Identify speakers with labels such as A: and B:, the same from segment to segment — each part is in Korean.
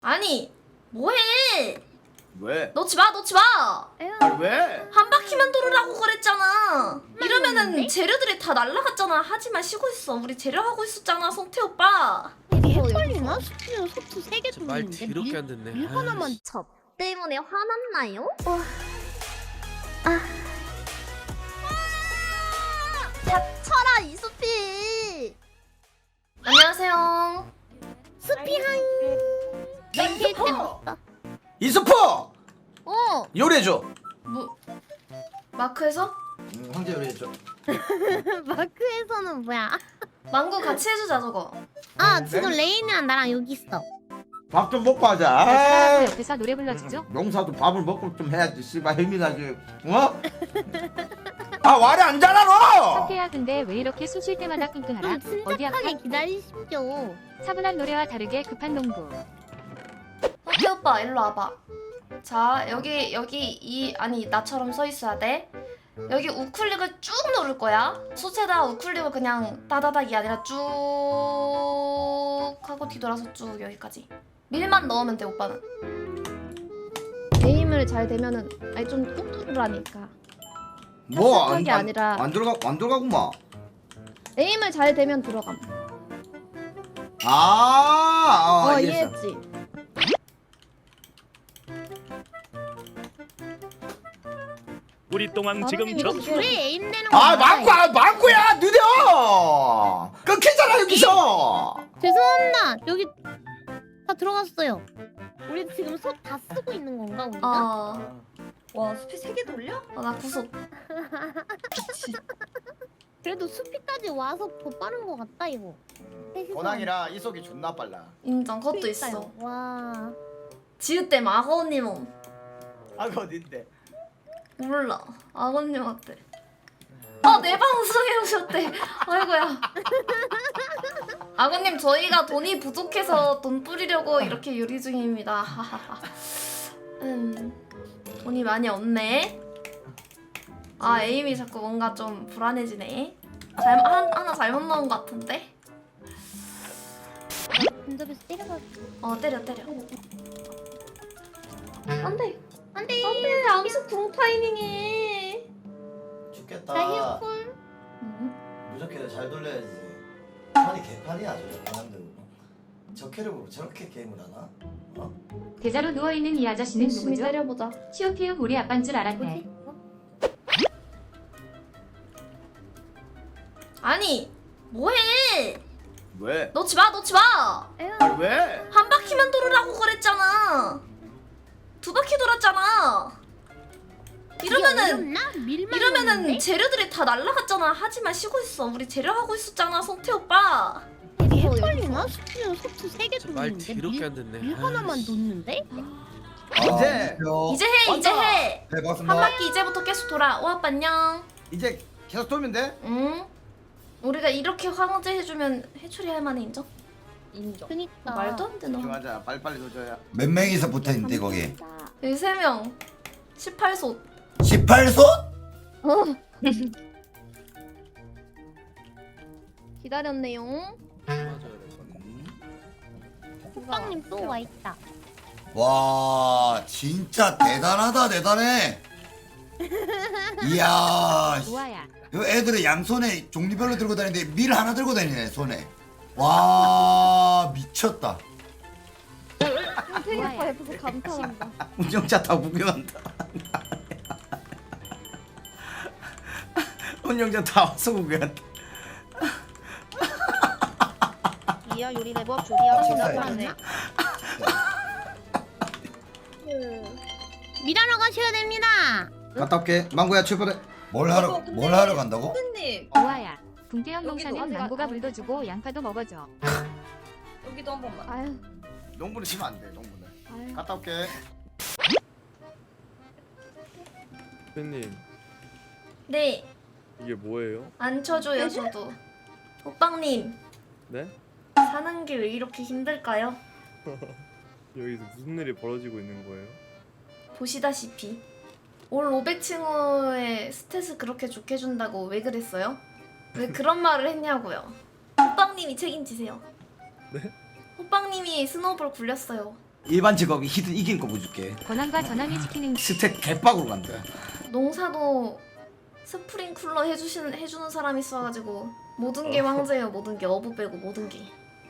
A: 아니 뭐해?
B: 왜?
A: 넣지 마, 넣지 마.
B: 아니 왜?
A: 한 바퀴만 돌으라고 그랬잖아. 이러면은 재료들이 다 날라갔잖아. 하지만 쉬고 있어. 우리 재료 하고 있었잖아, 성태 오빠.
C: 이게 헷갈리나? 스피는 소트 3개
D: 말
C: 돌리는데
D: 더럽게 안 듣네.
C: 밀 하나만
A: 저 때문에 화났나요?
C: 닥쳐라 이수피.
A: 안녕하세요.
C: 수피한 몇 때부터?
B: 이수포!
C: 어
B: 요리해줘.
A: 뭐 마크에서
B: 황제 요리해줘.
C: 마크에서는 뭐야?
A: 망고 같이 해주자 저거.
C: 아 지금 레인이랑 나랑 여기 있어.
B: 밥 좀 먹고 하자.
E: 사람
B: 아이,
E: 옆에서 노래 불러주죠?
B: 명사도 밥을 먹고 좀 해야지. 씨발 힘이 나지. 어? 아 말이 안 자라 너.
E: 석태야 근데 왜 이렇게 쑤실 때마다 끙끙하라?
C: 좀
E: 어디 아파?
C: 침착하게 기다리십시오.
E: 차분한 노래와 다르게 급한 농구.
A: 성태 오빠 일로 와봐. 자 여기 이 아니 나처럼 서 있어야 돼. 여기 우클릭을 쭉 누를 거야. 수체다 우클릭을 그냥 따다닥이 아니라 쭉 하고 뒤돌아서 쭉 여기까지. 밀만 넣으면 돼 오빠는. 에임을 잘 되면은 아니 좀 꾹 누르라니까.
B: 뭐안
A: 게 아니라
B: 안 들어가구만.
A: 에임을 잘 되면 들어감.
B: 이해했어.
A: 이해했지.
F: 우리 똥왕 지금
A: 나름이
F: 저
A: 이거
C: 둘이 에임 되는 거.
B: 망구야 느려. 끊기잖아 여기서.
C: 죄송합니다. 여기 다 들어갔어요. 우리 지금 솥 다 쓰고 있는 건가 우리가?
A: 와 수피 3개 돌려? 나 구속.
C: 그래도 수피까지 와서 더 빠른 거 같다 이거.
B: 권항이라 이속이 존나 빨라.
A: 인정. 그것도 있어.
C: 와.
A: 지읒댐 악어님
B: 아그 어딘데?
A: 몰라. 악어님한테. 내 방송에 오셨대. 아이고야. 악어님 저희가 돈이 부족해서 돈 뿌리려고 이렇게 요리 중입니다. 하하하. 돈이 많이 없네. 에임이 자꾸 뭔가 좀 불안해지네. 하나 잘못 넣은 것 같은데?
C: 근접에서 때려가지고.
A: 때려. 안돼.
C: 안돼.
A: 안돼. 암수 궁 타이밍에.
G: 죽겠다.
C: 나 히어콜.
G: 무조건 잘 돌려야지. 판이 개판이야 저 사람들. 저 캐릭으로 저렇게 게임을 하나? 어?
E: 대자로 누워있는 이 아저씨는
A: 열심히
E: 누구죠?
A: 때려보자.
E: 치오피우 우리 아빠인 줄 알았네.
A: 아니 뭐해?
B: 왜?
A: 넣지 마, 넣지 마.
B: 아니 왜?
A: 한 바퀴만 돌으라고 그랬잖아. 2바퀴 돌았잖아. 이러면은
C: 밀만
A: 재료들이 다 날라갔잖아. 하지만 쉬고 있어. 우리 재료 하고 있었잖아, 성태 오빠.
C: 이게 헷갈리나? 스피는 소트 3개
D: 말
C: 돌리는데
D: 더럽게 안 듣네.
C: 밀 하나만 놓는데?
B: 이제
A: 이제 해.
G: 네
A: 한
G: 반갑습니다.
A: 바퀴 이제부터 계속 돌아. 오 아빠 안녕.
B: 이제 계속 돌면 돼?
A: 응. 우리가 이렇게 황제 해주면 해초리 할 만해 인정?
C: 그니까.
A: 말도 안 돼 너.
B: 집중하자. 빨리빨리 도줘야.
G: 몇 명이서 붙어있는데 거기?
A: 여기 3명. 18솥.
G: 18솥?
A: 기다렸네요.
D: 맞아요.
C: 호빵님 또 와있다.
G: 와 진짜 대단하다 대단해. 이야
E: 우아야.
G: 이 애들은 양손에 종류별로 들고 다니는데 밀 하나 들고 다니네 손에. 와 미쳤다.
A: 성태 오빠 옆에서 감탄한다.
B: 운영자 다 구경한다. 운영자 다 와서 구경한다.
C: 이야 요리 레버 조리야
G: 식사해.
C: 밀하러 가셔야 됩니다.
B: 갔다 올게. 망고야 출발해.
G: 뭘 하러 간다고?
E: 우아야. 붕대형 농사는
A: 여기도
E: 망고가
A: 아직-
E: 물도 주고 양파도 먹어줘.
A: 여기도 한 번만. 아유.
B: 농부는 치면 안 돼. 농부는.
A: 아유.
B: 갔다 올게.
D: 팬님
A: 네.
D: 이게 뭐예요?
A: 안 쳐줘요 저도. 오빵님
D: 네?
A: 사는 길 왜 이렇게 힘들까요?
D: 여기서 무슨 일이 벌어지고 있는 거예요?
A: 보시다시피 올 500층호의 스탯을 그렇게 좋게 준다고 왜 그랬어요? 왜 그런 말을 했냐고요. 호빵님이 책임지세요.
D: 네?
A: 호빵님이 스노우볼 굴렸어요.
B: 일반 직업이 히든 이긴 거 보여줄게.
E: 권한과 전함이 지키는
B: 스택 개빡으로 간다.
A: 농사도 스프링쿨러 해주는 사람 있어가지고 모든 게 황제예요. 모든 게 어부 빼고 모든 게.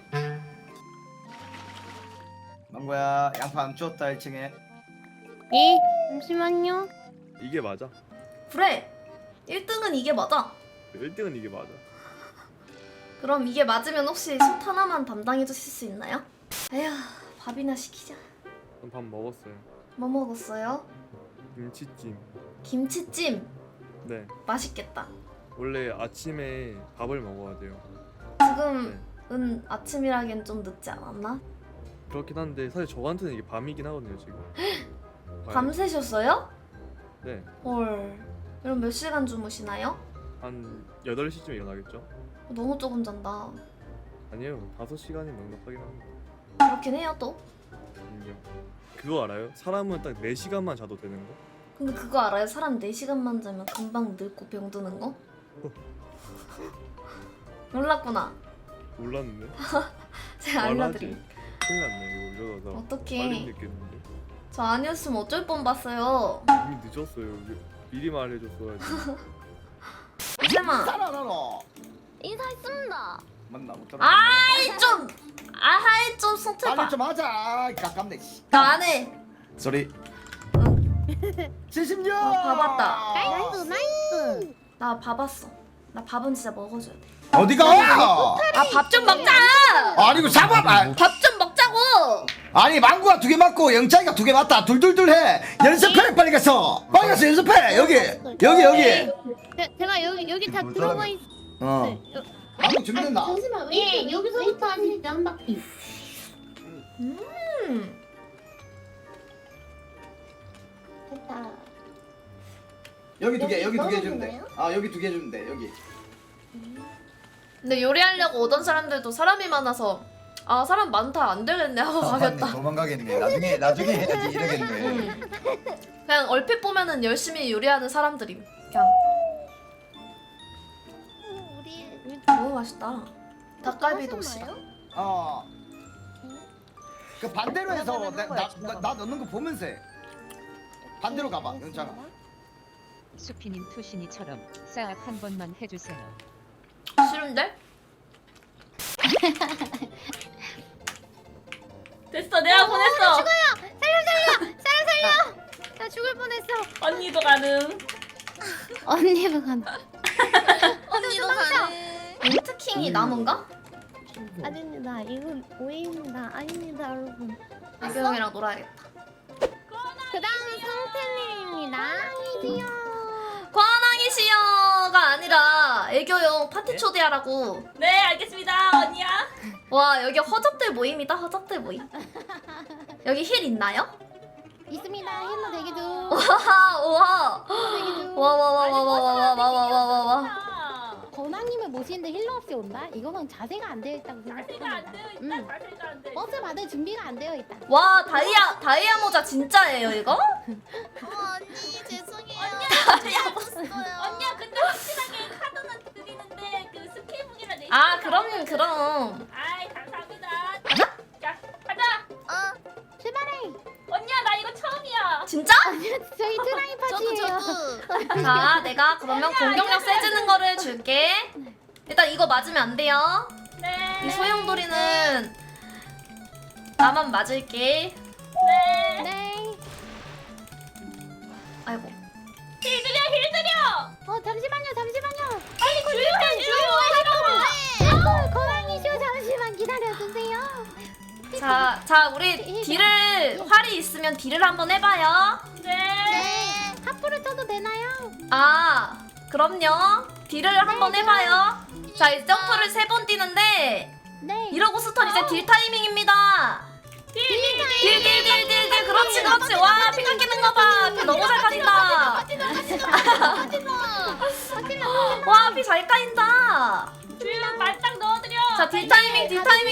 B: 망고야 양파 안 주웠다 1층에.
C: 예 잠시만요.
D: 이게 맞아.
A: 그래. 1등은 이게 맞아.
D: 1등은 이게 맞아.
A: 그럼 이게 맞으면 혹시 솥 하나만 담당해 주실 수 있나요? 에휴, 밥이나 시키자.
D: 전 밥 먹었어요.
A: 뭐 먹었어요?
D: 김치찜.
A: 김치찜.
D: 네.
A: 맛있겠다.
D: 원래 아침에 밥을 먹어야 돼요.
A: 지금은 아침이라기엔 좀 늦지 않았나?
D: 그렇긴 한데 사실 저한테는 이게 밤이긴 하거든요 지금.
A: 밤새셨어요?
D: 네.
A: 헐. 그럼 몇 시간 주무시나요?
D: 한 8시쯤 일어나겠죠?
A: 너무 조금 잔다.
D: 아니에요. 5시간이 넉넉하긴 합니다.
A: 그렇긴 해요 또.
D: 인정. 그거 알아요? 사람은 딱 4시간만 자도 되는 거?
A: 근데 그거 알아요? 사람 4시간만 자면 금방 늙고 병드는 거? 몰랐구나.
D: 몰랐는데?
A: 제가 알려드릴게요.
D: 큰일 났네 이거 이러다 빨리
A: 어떡해.
D: 늦겠는데?
A: 저 아니었으면 어쩔 뻔 봤어요.
D: 이미 늦었어요. 미리 말해줬어야지.
A: 이세마.
B: 따라라라.
C: 인사했습니다.
B: 맞나 못 따라.
A: 아이 좀. 아하이 좀 손톱 봐.
B: 빨리 좀 하자. 가깝네.
A: 나 안 해.
B: 소리.
A: 응.
B: 76.
A: 밥 왔다.
C: 나이스 나이스.
A: 나 밥 왔어. 나 밥은 진짜 먹어줘야 돼.
B: 어디가?
A: 아 밥 좀 먹자.
B: 아니 이거 잡아봐.
A: 밥 좀 먹자고.
B: 아니 망구가 2개 맞고 영자이가 2개 맞다. 둘둘둘 해. 연습해 빨리 가서. 빨리 가서 연습해. 여기.
C: 제가 여기 다 들어가 있.
B: 어. 망구 준비됐나?
C: 잠시만. 예 여기서부터 하시죠 한 바퀴. 됐다.
B: 여기 2개. 여기 2개
C: 넣어도
B: 주면 돼.
C: 되나요?
B: 아 여기 2개 주면 돼. 여기.
A: 근데 요리하려고 오던 사람들도 사람이 많아서 아 사람 많다 안 되겠네 하고 가겠다.
B: 도망가겠네. 나중에 해야지 이러겠네.
A: 그냥 얼핏 보면은 열심히 요리하는 사람들임. 그냥
C: 우리
A: 너무 맛있다. 닭갈비도
C: 하셨나요?
A: 싫어.
B: 어. 그 반대로 해서 나 넣는 거 보면서 해. 반대로 가봐. 영창아.
H: 수피님 투신이처럼 싹 한 번만 해주세요.
A: 싫은데? 됐어 내가 보냈어.
C: 나 죽을 뻔했어.
A: 언니도 가능.
C: 언니도 간다.
A: 언니도 가능. 민트킹이 남은가?
C: 아닙니다. 이건 오해입니다. 아닙니다, 여러분.
A: 애교 형이랑 놀아야겠다.
C: 그다음 성태님입니다.
A: 권항이 시여가 아니라 애교형 파티 초대하라고.
I: 네 알겠습니다 언니야.
A: 와 여기 허접들 모임이다. 허접들 모임. 여기 힐 있나요?
C: 있습니다. 힐러 대기 중.
A: 우와.
C: 대기 중.
A: 와와와와와와와와와와.
C: 권왕님을 모시는데 힐러 없이 온다? 이거는 자세가 안 되어 있다고
I: 자세가 안
C: 생각합니다.
I: 되어 있다. 자세가 안 되어 있다.
C: 버스 받을 준비가 안 되어 있다.
A: 와 다이아 모자 진짜예요 이거?
C: 언니 죄송해요.
I: 언니야 근데 확실하게 카드는 드리는데 그 스케이북이랑 내.
A: 아 그럼.
I: 아이 감사합니다. 자 가자.
C: 출발해.
I: 언니야 나 이거 처음이야.
A: 진짜?
C: 저희 트라이 파티예요.
A: 자 내가 그러면 공격력 세지는 거를 줄게. 일단 이거 맞으면 안 돼요.
I: 네.
A: 이 소용돌이는 나만 맞을게.
I: 네.
C: 네.
A: 아이고.
I: 힐 드려 힐 드려.
C: 잠시만요.
I: 빨리 주유해
C: 아이고 권왕이쇼 잠시만 기다려주세요.
A: 자 우리 딜을 활이 있으면 딜을 한번 해봐요.
I: 네.
C: 하프를 쳐도 되나요?
A: 아 그럼요. 딜을 한번 해봐요. 자 이제 점프를 3번 뛰는데
C: 네.
A: 이러고 스턴 이제 딜 타이밍입니다. 딜 그렇지 와 피 깎이는 거봐. 피 너무 잘 까진다. 와 피 잘 까인다.
I: 주유 말딱 넣어드려.
A: 자 딜 타이밍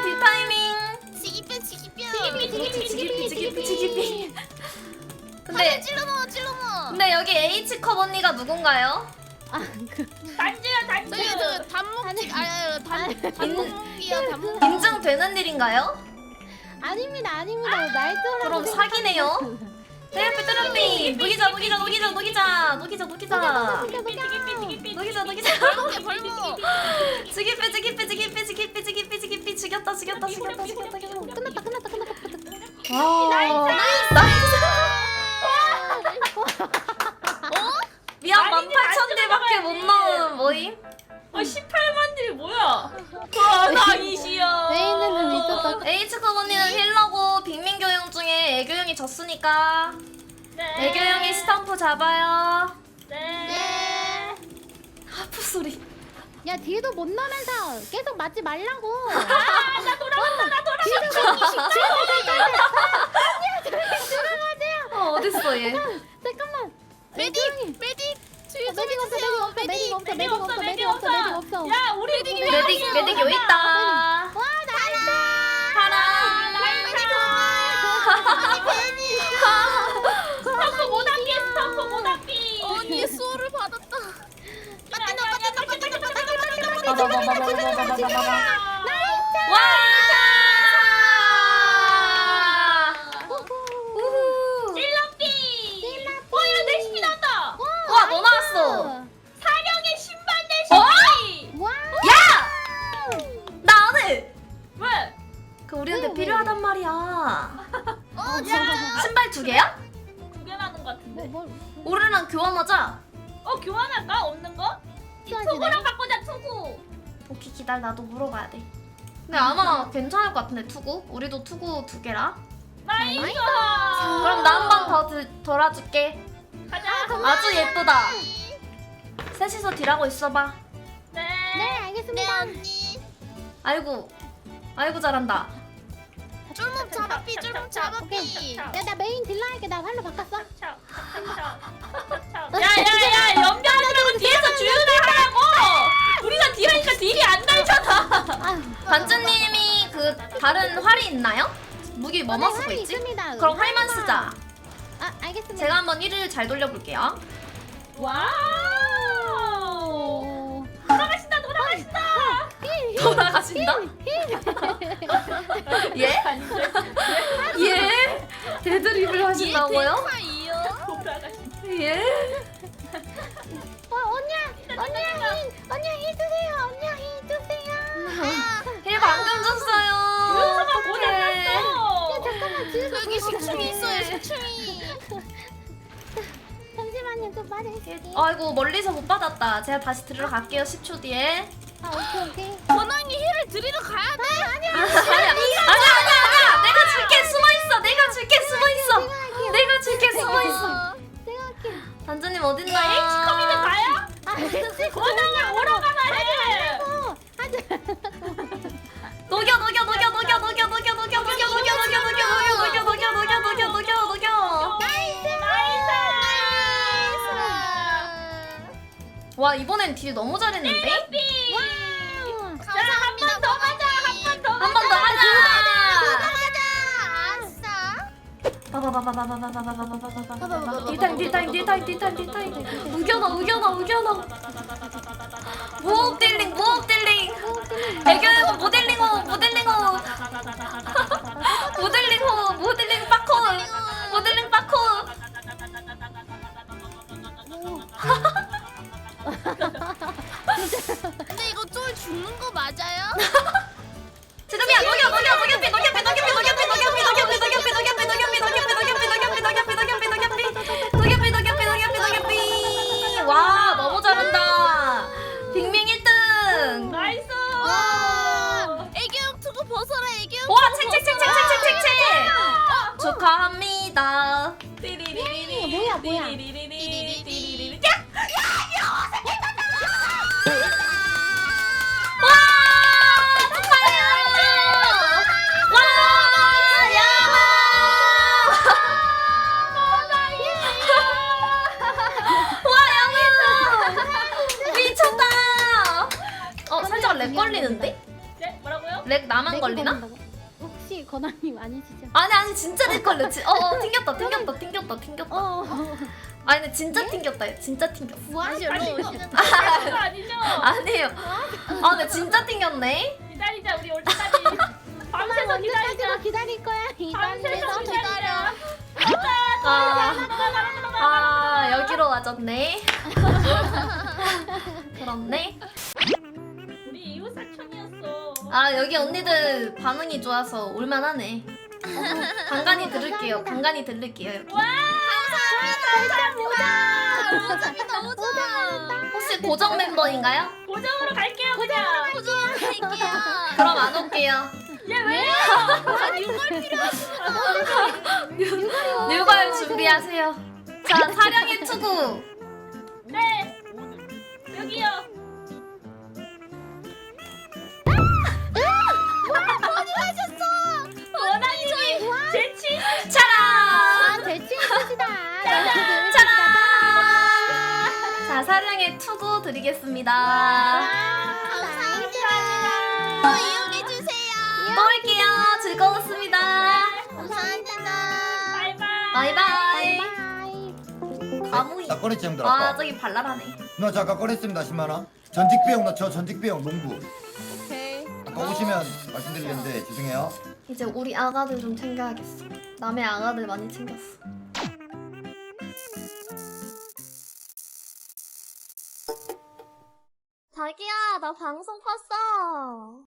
A: 지기피. 근데 근데 여기 H컵 언니가 누군가요?
I: 단주야 단주.
C: 단목이요 단목.
A: 인증되는 일인가요?
C: 아닙니다. 날조라.
A: 그럼 사기네요. 테레피 테레피 녹이자. 죽였다.
C: 끝났다.
A: 와 나이스. 미안 18,000딜밖에 못 넣은 뭐임?
I: 18만 딜 뭐야? 와 나이시여.
C: 메인은 미쳤다.
A: H컵 언니는 힐러고 빅민 교영 중에 애교형이 졌으니까
I: 네.
A: 애교형이 스탬프 잡아요.
I: 네.
A: 하프 소리.
C: 야 뒤도 못 나면서 계속 맞지 말라고.
I: 나 돌아왔다.
A: 어딨어 얘?
C: 잠깐만.
I: 메딕.
C: 메딕 없어.
I: 야 우리
A: 메딕 여기 있다.
C: 와 나이스.
A: 파라.
I: 스탬프 못 앞이.
J: 언니 수호를 받았다.
A: 우후.
I: 찔러삐. 야 내시피 나왔다.
A: 와, 뭐 나왔어?
I: 사령의 신발 내시피.
C: 와.
A: 나 안 해.
I: 왜?
A: 그 우리한테 필요하단 말이야.
C: 야.
A: 신발 2개야?
I: 2개 나는 것 같은데.
A: 우리랑 교환하자.
I: 교환할까? 없는 거? 투구랑 바꾸자 투구.
A: 오케이 기다려 나도 물어봐야 돼. 근데 아마 괜찮을 것 같은데 투구? 우리도 투구 2개라.
I: 나이스.
A: 그럼 나 한 번 더 돌아줄게.
I: 가자.
A: 아주 예쁘다. 셋이서 딜하고 있어봐.
I: 네.
C: 네 알겠습니다.
A: 아이고 잘한다.
J: 쫄몸 잡아삐 쫄몸 잡아삐.
C: 야나 메인 딜러 할게. 나 활로 바꿨어.
I: 야야야 연병으로 뒤에서 주윤을 하라고. 우리가 딜하니까 딜이 안 달잖아.
A: 반주님이 그 다른 활이 있나요? 무기 뭐뭐 쓰고
C: 활이
A: 있지?
C: 있습니다.
A: 그럼 활만 쓰자.
C: 아 알겠습니다.
A: 제가 한번 1을 잘 돌려볼게요.
I: 와우. 돌아가신다.
A: 돌아가신다? 예? 예? 데드립을 하신다고요? 예?
C: 언니야 힘 주세요. 언니야 힘 주세요.
A: 힐 방금 줬어요.
I: 윤서가
A: 어떡해.
I: 고장났어.
C: 잠깐만 뒤에서
J: 여기 식충이 있어요 식충이.
C: 잠시만요 좀 빠질게요.
A: 아이고 멀리서 못 받았다. 제가 다시 들어갈게요 10초 뒤에.
C: 아 오케이.
J: 권왕이 힐을 드리러 가야 돼.
A: 아니야. 내가 줄게 숨어 있어.
C: 제가 할게요.
A: 단주님 어딨나?
I: H컵이면 가요?
C: 아 그치.
I: 권한이 오러 가나 해.
A: 녹여. 와 이번엔 딜 너무 잘했는데?
I: 한 번 더 가자.
A: 한 번 더 하자.
J: 아싸.
A: 딜타임. 우겨놔. 무호흡 딜링. 애교형 모델링호. 모델링 빠코.
J: 근데 이거 쫄 죽는 거 맞아요?
A: 지금이야 녹여. 와 너무 잘한다. 빅밍 1등.
I: 나이스.
J: 애교형 투구 벗어라 애교형.
A: 와 책책책책책책책. 축하합니다.
C: 뭐야?
A: 와 축하해요. 와 야마. 와 야마. 미쳤다. 살짝 렉 걸리는데?
I: 네 뭐라고요?
A: 렉 나만 걸리나?
C: 혹시 권한님 아니시죠?
A: 아니 진짜 렉 걸렸지. 튕겼다. 아니 근데 진짜 튕겼다. 진짜 튕겼어.
J: 다시 올라오시는.
I: 아니죠?
A: 아니에요. 아 근데 진짜 튕겼네.
I: 기다리자 우리 올 때까지. 밤새서 기다리자.
C: 기다릴 거야.
I: 밤새서 기다려.
A: 여기로 와줬네. 그렇네.
I: 우리 이웃 사촌이었어.
A: 여기 언니들 반응이 좋아서 올만하네. 간간히 들을게요. 간간히 들을게요. 여기.
J: 모자비 너무 좋아.
A: 혹시 고정 멤버인가요?
I: 고정으로 갈게요 그냥.
J: 갈게요.
A: 그럼 안 올게요.
I: 왜요?
A: 뉴발 준비하세요. 자, 사령의 투구.
I: 네. 여기요. 원하님이 재치.
A: 차라.
C: 대충 있으시다.
A: 차라. 자, 사령의 투구 드리겠습니다.
J: 감사합니다. 또 이용해 주세요.
A: 또 올게요. 즐거웠습니다.
J: 감사합니다.
I: 바이바이.
A: 바이바이. 가무이.
G: 나 꺼냈지 형들
A: 아,
G: 아까.
A: 저기 발랄하네.
G: 나 잠깐 꺼냈습니다 10만 원. 전직 비용 넣죠. 전직 비용 농부.
J: 오케이.
G: 아까 오시면 말씀드리는데 죄송해요.
A: 이제 우리 아가들 좀 챙겨야겠어. 남의 아가들 많이 챙겼어. 자기야, 나 방송 봤어.